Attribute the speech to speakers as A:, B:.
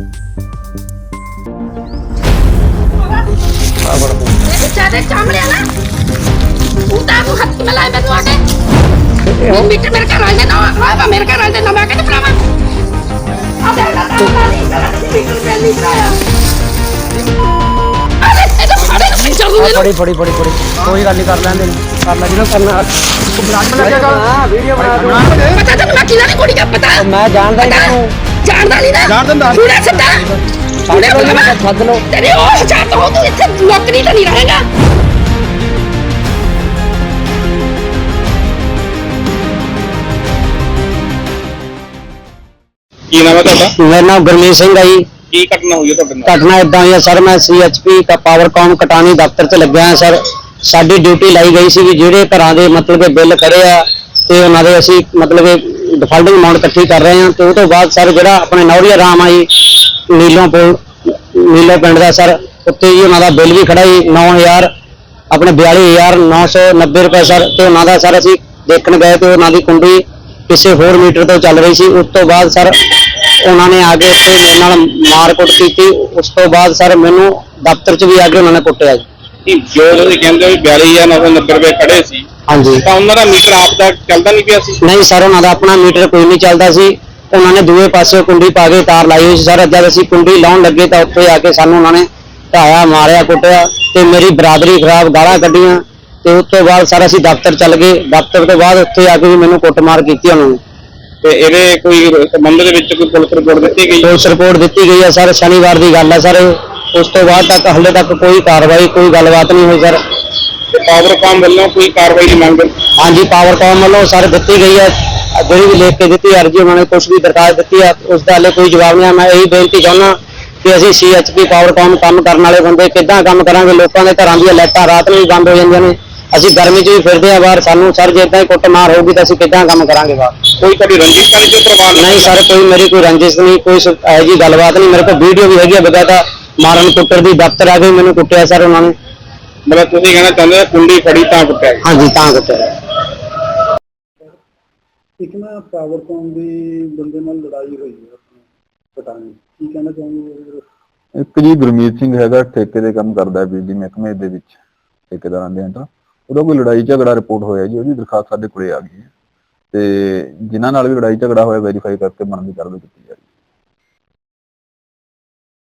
A: Metre मेरे घर वाले ना मेरे घर वाले ना मैं कहते भरावा अब मीटर नहीं कराया अरे ये तो सारे पिक्चर दे
B: बड़ी कोई गल नहीं कर लेंदे कर ला जिना करना ब्लॉग में लगेगा हां वीडियो बना दो
A: पता तो मैं किला नहीं कोड़ी का पता
B: मैं जानदा ही नहीं
A: जानदा नहीं ना जान दंदा पूरा सदा
B: साढ़े को सद लो
A: तेरे ओ चाहता हूं तू इथे नौकरी तो नहीं रहेगा
C: ਕੀ ਨਾਮ ਹੈ ਤੁਹਾਡਾ?
B: मेरा नाम गुरमीत सिंह है जी।
C: ਕੀ ਘਟਨਾ ਹੋਈ ਹੈ ਤੁਹਾਡੇ ਨਾਲ?
B: घटना इदा हुई है सर, मैं CHP का पावरकॉम कटानी दफ्तर च लग्या है सर। साडी ड्यूटी लाई गई सी ਜਿਹੜੇ ਘਰਾਂ ਦੇ ਮਤਲਬ ਕਿ ਬਿੱਲ ਖੜੇ ਆ ਤੇ ਉਹਨਾਂ ਦੇ ਅਸੀਂ ਮਤਲਬ ਕਿ ਡਿਫਾਲਟਿੰਗ ਅਮਾਉਂਟ ਇਕੱਠੀ ਕਰ ਰਹੇ ਹਾਂ ਤੇ ਉਹ ਤੋਂ ਬਾਅਦ ਸਰ ਜਿਹੜਾ ਆਪਣੇ ਨੌਰੀਆ ਰਾਮ ਆ ਜੀ ਨੀਲੋਂ ਪਿੰਡ ਦਾ ਸਰ, ਉੱਤੇ ਜੀ ਉਹਨਾਂ ਦਾ ਬਿੱਲ ਵੀ ਖੜਾ ਜੀ 9000 ਆਪਣੇ 42990 ਰੁਪਏ ਸਰ। ਤੇ ਉਹਨਾਂ ਦਾ ਸਰ ਅਸੀਂ ਦੇਖਣ ਗਏ ਤੇ ਉਹਨਾਂ ਦੀ ਕੁੰਡੀ ਕਿਸੇ ਹੋਰ ਮੀਟਰ ਤੋਂ ਚੱਲ ਰਹੀ ਸੀ। ਉਸ ਤੋਂ ਬਾਅਦ ਸਰ ਉਹਨਾਂ ਨੇ ਆ ਕੇ ਇੱਥੇ ਮੇਰੇ ਨਾਲ ਮਾਰਕੁੱਟ ਕੀਤੀ। ਉਸ ਤੋਂ ਬਾਅਦ ਸਰ ਮੈਨੂੰ ਦਫ਼ਤਰ 'ਚ ਵੀ ਆ ਕੇ ਉਹਨਾਂ ਨੇ ਕੁੱਟਿਆ ਜੀ।
C: ਜੋ ਤੁਸੀਂ ਕਹਿੰਦੇ ਹੋ 42990 ਰੁਪਏ ਖੜੇ ਸੀ,
B: ਹਾਂਜੀ,
C: ਤਾਂ ਉਹਨਾਂ ਦਾ ਮੀਟਰ ਆਪ ਦਾ ਚੱਲਦਾ ਨਹੀਂ ਪਿਆ ਸੀ?
B: ਨਹੀਂ ਸਰ, ਉਹਨਾਂ ਦਾ ਆਪਣਾ ਮੀਟਰ ਕੋਈ ਨਹੀਂ ਚੱਲਦਾ ਸੀ। ਉਹਨਾਂ ਨੇ ਦੂਏ ਪਾਸੇ ਕੁੰਡੀ ਪਾ ਕੇ ਤਾਰ ਲਾਈ ਹੋਈ ਸੀ ਸਰ। ਜਦ ਅਸੀਂ ਕੁੰਡੀ ਲਾਉਣ ਲੱਗੇ ਤਾਂ ਉੱਥੇ ਆ ਕੇ ਸਾਨੂੰ ਉਹਨਾਂ ਨੇ ਢਾਇਆ, ਮਾਰਿਆ, ਕੁੱਟਿਆ ਤੇ ਮੇਰੀ ਬਰਾਦਰੀ ਖਰਾਬ, ਗਾਲਾਂ ਕੱਢੀਆਂ। ਤੇ ਉਸ ਤੋਂ ਬਾਅਦ ਸਰ ਅਸੀਂ ਦਫ਼ਤਰ ਚੱਲ ਗਏ। ਦਫ਼ਤਰ ਤੋਂ ਬਾਅਦ ਉੱਥੇ ਆ ਕੇ ਵੀ ਮੈਨੂੰ ਕੁੱਟਮਾਰ ਕੀਤੀ ਉਹਨਾਂ ਨੇ।
C: ਤੇ ਇਹਦੇ ਕੋਈ ਸੰਬੰਧ ਦੇ ਵਿੱਚ ਕੋਈ ਪੁਲਿਸ ਰਿਪੋਰਟ ਦਿੱਤੀ ਗਈ?
B: ਪੁਲਿਸ ਰਿਪੋਰਟ ਦਿੱਤੀ ਗਈ ਹੈ ਸਰ, ਸ਼ਨੀਵਾਰ ਦੀ ਗੱਲ ਹੈ ਸਰ। ਉਸ ਤੋਂ ਬਾਅਦ ਤੱਕ ਹਾਲੇ ਤੱਕ ਕੋਈ ਕਾਰਵਾਈ, ਕੋਈ ਗੱਲਬਾਤ ਨਹੀਂ ਹੋਈ ਸਰ।
C: ਪਾਵਰਕਾਮ ਵੱਲੋਂ ਕੋਈ ਕਾਰਵਾਈ ਦੀ ਮੰਗ?
B: ਹਾਂਜੀ, ਪਾਵਰਕਾਮ ਵੱਲੋਂ ਸਰ ਦਿੱਤੀ ਗਈ ਹੈ, ਜਿਹੜੀ ਵੀ ਲਿਖ ਕੇ ਦਿੱਤੀ ਅਰਜੀ, ਉਹਨਾਂ ਨੇ ਕੁਛ ਵੀ ਦਰਖਾਸਤ ਦਿੱਤੀ ਹੈ, ਉਸ ਦਾ ਹਾਲੇ ਕੋਈ ਜਵਾਬ ਨਹੀਂ ਹੈ। ਮੈਂ ਇਹੀ ਬੇਨਤੀ ਚਾਹੁੰਦਾ ਕਿ ਅਸੀਂ CHP ਪਾਵਰਕਾਮ ਕੰਮ ਕਰਨ ਵਾਲੇ ਬੰਦੇ ਕਿੱਦਾਂ ਕੰਮ ਕਰਾਂਗੇ? ਲੋਕਾਂ ਦੇ ਘਰਾਂ ਦੀਆਂ ਲਾਈਟਾਂ ਰਾਤ ਨੂੰ ਵੀ ਬੰਦ ਹੋ ਜਾਂਦੀਆਂ ਨੇ, ਅਸੀਂ ਗਰਮੀ 'ਚ ਵੀ ਫਿਰਦੇ ਆ ਬਾਹਰ। ਸਾਨੂੰ ਸਰ ਜੇ ਏਦਾਂ ਹੀ ਕੁੱਟਮਾਰ ਹੋਊਗੀ ਤਾਂ ਅਸੀਂ ਕਿੱਦਾਂ ਕੰਮ ਕਰਾਂਗੇ ਬਾਹਰ?
C: ਕੋਈ ਤੁਹਾਡੀ ਰੰਜਿਸ਼ ਤਾਂ ਨਹੀਂ ਜੋ ਪਰਿਵਾਰ
B: ਨਹੀਂ ਸਰ, ਕੋਈ ਮੇਰੀ ਕੋਈ ਰੰਜਿਸ਼ ਨਹੀਂ, ਕੋਈ ਇਹੋ ਜਿਹੀ ਗੱਲਬਾਤ ਨਹੀਂ। ਮੇਰੇ ਕੋਲ ਵੀਡੀਓ ਵੀ ਹੈਗੀ ਆ ਬਕਾਇਦਾ ਮਾਰਨ ਕੁੱਟਰ ਦੀ। ਦਫ਼ਤਰ ਆ ਕੇ ਮੈਨੂੰ ਕੁੱਟਿਆ ਸਰ ਉਹਨਾਂ ਨੇ।
C: ਮਤਲਬ ਤੁਸੀਂ ਕਹਿਣਾ ਚਾਹੁੰਦੇ ਹੋ ਕੁੰਡੀ ਫੜੀ ਤਾਂ ਕੁੱਟਿਆ?
B: ਹਾਂਜੀ, ਤਾਂ ਕੁੱਟਿਆ।
D: ਇੱਕ ਨਾ ਪਾਵਰਕੌਮ ਦੀ ਬੰਦੇ ਨਾਲ ਲੜਾਈ ਹੋਈ ਹੈ ਆਪਣੇ ਪਟਾਣੀ, ਕੀ ਕਹਿਣਾ ਚਾਹੁੰਦੇ?
E: ਇੱਕ ਜੀ ਗੁਰਮੀਤ ਸਿੰਘ ਹੈਗਾ, ਠੇਕੇ ਦੇ ਕੰਮ ਕਰਦਾ ਬਿਜਲੀ ਮਹਿਕਮੇ ਦੇ ਵਿੱਚ, ਠੇਕੇਦਾਰਾਂ ਦੇ ਅੰਦਰ। ਉਹਦਾ ਕੋਈ ਲੜਾਈ ਝਗੜਾ ਰਿਪੋਰਟ ਹੋਇਆ ਜੀ, ਉਹਦੀ ਦਰਖਾਸਤ ਸਾਡੇ ਕੋਲੇ ਆ ਗਈ ਹੈ ਤੇ ਜਿਨ੍ਹਾਂ ਨਾਲ ਵੀ ਲੜਾਈ ਝਗੜਾ ਹੋਇਆ ਵੈਰੀਫਾਈ ਕਰਕੇ ਬਣਦੀ ਕਾਰਵਾਈ ਕੀਤੀ ਜਾ ਰਹੀ ਹੈ।